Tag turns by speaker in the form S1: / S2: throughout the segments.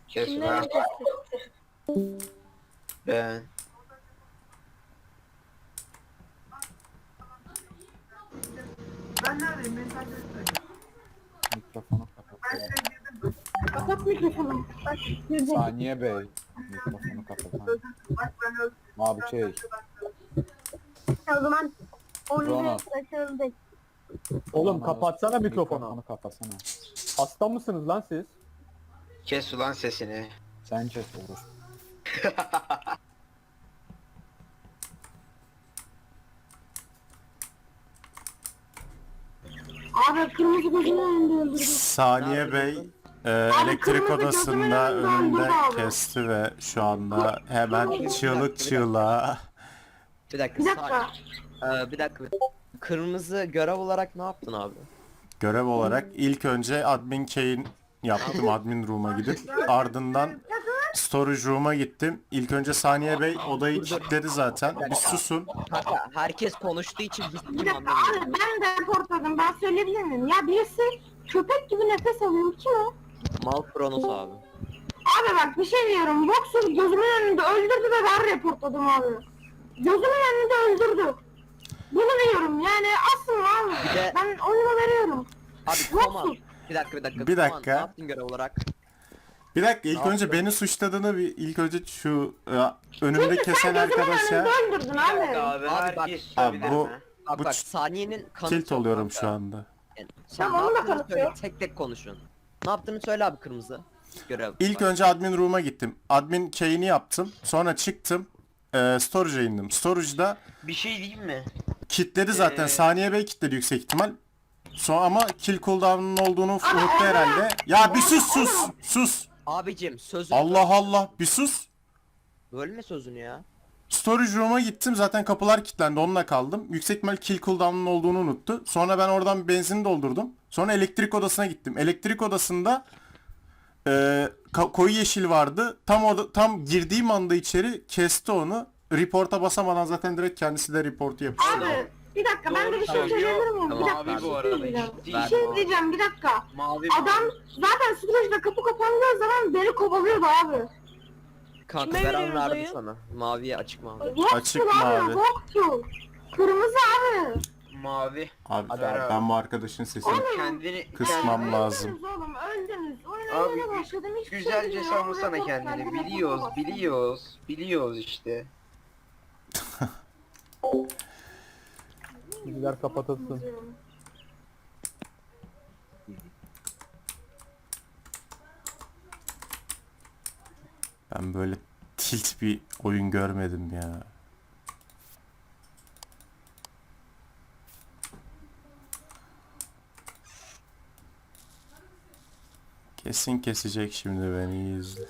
S1: Kes
S2: Kimler
S1: ulan.
S2: kesti?
S1: Ben.
S3: Ben neredeyim? Beni takip etmeyin.
S4: Mikrofonu kapat.
S3: Ben size girdim.
S2: Kapat mikrofonu. Bak girdi.
S4: Saniye Bey. Mikrofonu kapat. Ha.
S3: Bak ben öldüm.
S4: Abi şey.
S2: O zaman oyunu
S4: Ronald.
S2: başarıldık.
S5: Oğlum kapatsana mikrofonu.
S4: Mikrofonu kapatsana.
S5: Hasta mısınız lan siz?
S1: Kes ulan sesini.
S4: Sen kes olur.
S2: Abi kırmızı gözümün önünde öldürdü.
S6: Saniye Bey elektrik
S2: kırmızı gözümün
S6: odasında
S2: önünde
S6: önünde
S2: öldürdü abi.
S6: kesti ve şu anda hemen çığlık çığlığa
S7: Bir dakika.
S2: Bir dakika.
S7: Bir dakika. Kırmızı görev olarak ne yaptın abi?
S6: görev olarak ilk önce admin key'in yaptım admin room'a gidip ardından storage room'a gittim. İlk önce Saniye Bey odayı kilitledi zaten. Bir susun.
S7: Kanka herkes konuştuğu için biz
S2: Bir
S7: kim
S2: dakika
S7: anlamıyor.
S2: abi ben de reportladım. Ben söyleyebilir miyim? Ya birisi köpek gibi nefes alıyor. Kim o?
S7: Mal Kronos abi.
S2: Abi bak bir şey diyorum. Boxer gözümün önünde öldürdü ve ben reportladım abi. Gözümün önünde öldürdü. Bunu diyorum yani asıl abi.
S7: Bir de-
S2: Ben oyunu veriyorum.
S7: Abi
S2: Yoksun.
S7: Koman. Bir dakika.
S6: Bir
S7: Koman,
S6: dakika.
S7: ne yaptın görev olarak?
S6: Bir dakika ilk
S7: Ne
S6: önce
S7: yaptın?
S6: beni suçladığını bir ilk önce şu önümde
S2: Çünkü
S6: kesen
S2: sen gözümün
S6: arkadaşa
S2: önünde öldürdün abi.
S1: Abi
S7: Abi bak-
S1: herkes
S6: Abi
S1: susabilir
S6: bu
S1: mi?
S7: Bak
S6: Bu
S7: bak
S6: ç-
S7: saniyenin kanıtı
S6: tilt
S7: yok
S6: oluyorum
S7: kanka.
S6: şu anda.
S7: Yani sen
S2: Tamam,
S7: ne
S2: onu da
S7: yaptığını söyle,
S2: kanıtıyor.
S7: tek tek konuşun. Ne yaptığını söyle abi kırmızı. Görev.
S6: İlk önce admin room'a gittim. Admin key'ini yaptım. Sonra çıktım. Storage'a indim. Storage'da
S1: Bir şey diyeyim mi?
S6: kilitledi zaten. Saniye Bey kilitledi yüksek ihtimal. Sonra ama kill cooldown'un olduğunu unuttu herhalde. Ya bir sus.
S7: Abicim sözünü
S6: Allah Allah bir sus.
S7: bölme sözünü ya.
S6: Storage room'a gittim. Zaten kapılar kilitlendi. Onunla kaldım. Yüksek ihtimal kill cooldown'un olduğunu unuttu. Sonra ben oradan benzin doldurdum. Sonra elektrik odasına gittim. Elektrik odasında koyu yeşil vardı. Tam girdiğim anda içeri kesti onu. Report'a basamadan zaten direkt kendisi de reportu yapıyor.
S2: Abi bir dakika ben de bir şey
S1: Doğru
S2: söyleyebilir miyim? Bir
S7: Tamam,
S2: dakika
S1: mavi
S2: bir
S1: bu
S2: şey
S1: arada,
S2: diyeceğim.
S1: ciddi
S2: Bir şey
S1: mavi.
S2: diyeceğim bir dakika.
S1: Mavi
S2: Adam zaten Storage'da kapı kapandığı zaman beni kovalıyordu abi.
S7: Kanka
S2: Kime
S7: Beren
S2: veriyoruz
S7: verdi
S2: oyu?
S7: sana. Maviye açık mavi.
S2: Yoktu
S6: Açık
S2: abi,
S6: mavi.
S2: yoktu. Kırmızı abi.
S1: Mavi.
S6: Abi
S1: Hadi
S6: ben bu arkadaşın sesini
S1: Kendini
S6: kısmam lazım.
S2: Öldünüz oğlum öldünüz. Oyuna
S1: Abi,
S2: yeni başladım. Hiçbir şey
S1: Güzelce
S2: bilmiyorum.
S1: savunsana
S2: Report
S1: kendini.
S2: geldi,
S1: Biliyoruz,
S2: report
S1: biliyoruz. Biliyoruz işte.
S5: Bilgiler kapatılsın.
S2: bastım.
S6: Ben böyle tilt bir oyun görmedim ya. Kesin kesecek şimdi beni iyi izle.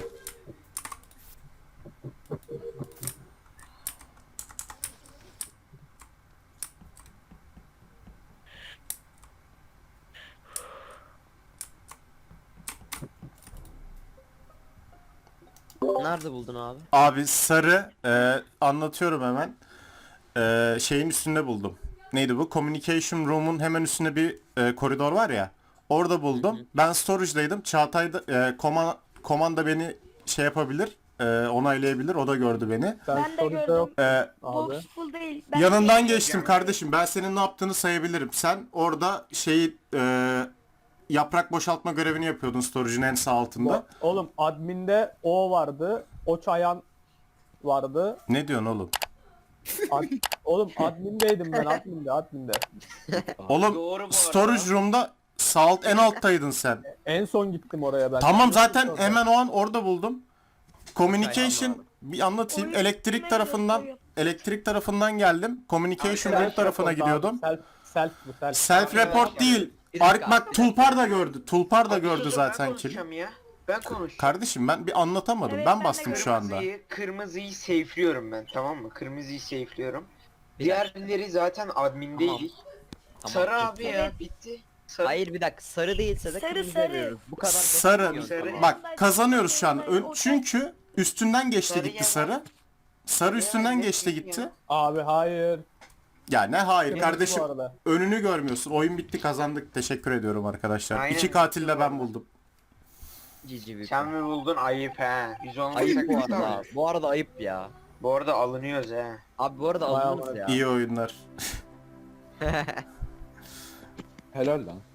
S7: Nerede buldun abi?
S6: Abi sarı anlatıyorum hemen. Şeyin üstünde buldum. Neydi bu? Communication Room'un hemen üstünde bir koridor var ya. Orada buldum. Ben storage'daydım. Çağatay da komanda beni şey yapabilir. Onaylayabilir. O da gördü beni.
S5: Sen
S2: Ben de
S5: storage'da
S2: gördüm.
S5: yok abi.
S2: Box full değil. Ben
S6: Yanından geçtim kardeşim. Ben senin ne yaptığını sayabilirim. Sen orada şeyi yaprak boşaltma görevini yapıyordun storage'ın en sağ altında.
S5: Oğlum adminde o vardı. O çayan vardı.
S6: Ne diyorsun oğlum?
S5: Oğlum admindeydim ben adminde.
S6: Oğlum
S1: Doğru bu arada.
S6: storage room'da sağ alt en alttaydın sen.
S5: En son gittim oraya ben.
S6: Tamam zaten
S5: Orada.
S6: hemen o an orada buldum. Communication
S7: Aynen
S6: bir anlatayım.
S2: Oyun
S6: Elektrik
S2: kime
S6: tarafından
S2: gösteriyor?
S6: elektrik tarafından geldim. Communication
S5: Self
S6: room tarafına
S5: report abi,
S6: gidiyordum.
S5: Self.
S6: Self report değil.
S7: Bir dakika.
S6: Bak Tulpar da gördü. Tulpar da
S1: Abi
S6: gördü
S1: susun,
S6: zaten
S1: ben
S6: ki.
S1: konuşacağım ya. Ben konuşacağım.
S6: Kardeşim ben bir anlatamadım.
S2: Evet,
S6: Ben
S2: ben de
S6: bastım şu anda.
S1: Kırmızıyı safe'liyorum ben, tamam mı? Kırmızıyı safe'liyorum.
S7: Bir
S1: Diğerleri zaten admindeydik.
S7: Tamam,
S1: Sarı
S7: çok
S1: abi
S7: iyi.
S1: ya, bitti. Sarı.
S7: Hayır bir dakika sarı değilse de
S2: Sarı,
S7: kırmızı
S2: sarı.
S7: veriyoruz. Bu kadar basit
S6: Sarı.
S7: bir yöntem.
S6: Bak kazanıyoruz şu an. Çünkü üstünden geçti
S1: Sarı
S6: gitti
S1: yalan.
S6: sarı. Sarı üstünden
S1: ne
S6: geçti
S1: diyorsun
S6: gitti.
S1: ya?
S5: Abi hayır.
S6: Ya ne hayır
S5: Kırmızı
S6: kardeşim.
S5: bu arada.
S6: Önünü görmüyorsun. Oyun bitti kazandık. Teşekkür ediyorum arkadaşlar.
S1: Aynen.
S6: 2 katil de ben buldum.
S7: Cici bir.
S1: Sen mi buldun? Ayıp he. Biz olmasak
S7: Ayıp bu
S1: biz
S7: arada.
S1: alırız.
S7: Bu arada ayıp ya.
S1: Bu arada alınıyoruz he.
S7: Abi bu arada
S5: Vay
S7: alınırız
S5: amına.
S7: ya.
S6: İyi oyunlar.
S4: Helal lan.